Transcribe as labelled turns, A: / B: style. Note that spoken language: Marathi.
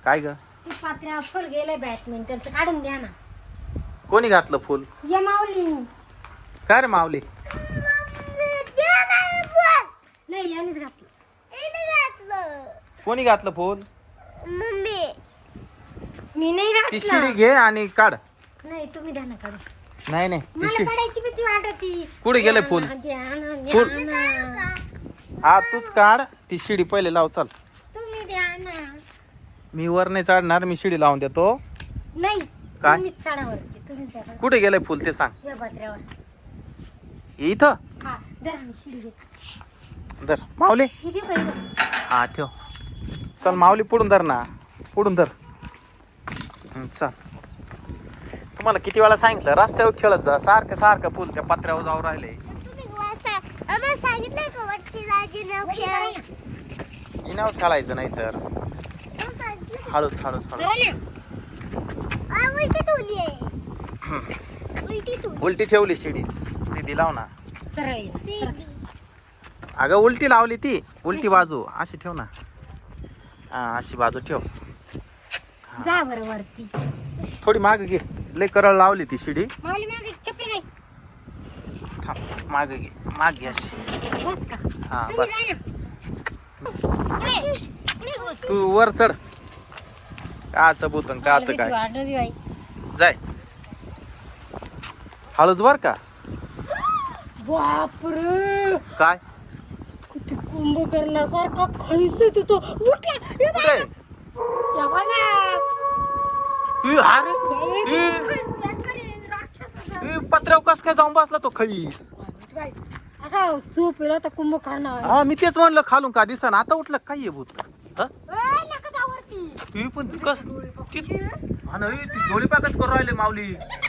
A: काय ग?
B: ती पात्र्या फुल गेले बॅडमिंटनचं काढून द्या ना.
A: कोणी घातलं फुल?
B: ये माऊली.
A: काय रे माऊली?
B: नाही यानेच घातलं.
A: कोणी घातलं फुल?
B: मी नाही
A: ती
B: घातलं.
A: शिडी घे आणि काढ.
B: नाही तुम्ही द्या ना काढून.
A: नाही नाही ती
B: मला
A: शिडी
B: काढायची भीती वाटती.
A: कुठे गेले फुल?
B: द्या ना,
A: फुल.
B: द्या ना.
A: हा तूच काढ. ती शिडी पहिले लाव. चल
B: तुम्ही द्या ना.
A: मी वर नाही चढणार. मी शिडी लावून देतो.
B: नाही
A: काय?
B: तुम्हीच चढावरती तुम्हीच द्या.
A: कुठे गेलंय फुल ते सांग.
B: या पात्र्यावर.
A: इथं
B: हा द्या ना शिडी दे.
A: धर माऊली.
B: किती पाहिजे?
A: हा ठेव. चल माऊली पुढून धर ना. पुढून धर. चल तुम्हाला किती वेळा सांगितलं रस्त्यावर खेळत जा. सारखं सारखं फुल त्या पत्र्यावर जाऊ राहिले. जिन्यावर खेळायचं नाही तर हळूच हळूच हळूच. उलटी ठेवली शिडी सीधी लाव ना.
B: सरळ ये, सरळ.
A: अगं उलटी लावली ती. उलटी बाजू अशी ठेव ना. हा अशी बाजू ठेव.
B: जा बरं वरती.
A: थोडी माग घे. लय करळ लावली ती शिडी.
B: माऊली मागे चपली काय?
A: थांब माग घे. माग घे अशी.
B: बस का?
A: हा
B: तुम्ही
A: बस.
B: जा ना.
A: तू वर चढ. काच बुतन काच
B: मला भीती
A: काय
B: वाटत बाई.
A: जाय. हळूच बर का.
B: बापरे
A: काय
B: किती कुंभकर्णासारखा खैस आहे तिथं. उठला हे बघ.
A: कुठे
B: या बघा.
A: तू अरे
B: हे
A: ए.
B: खैस बेकारी राक्षसाचा.
A: पत्र्यावर कस काय जाऊन बसला तो खईस.
B: बाई, असा झोप येला तर कुंभकर्ण.
A: हा मी तेच म्हणलं खालून का दिसन. आता उठलं काय आहे भूत. हा?
B: नका जा वरती.
A: ती पण कस ती डोळी पाकच करून राहिले माऊली.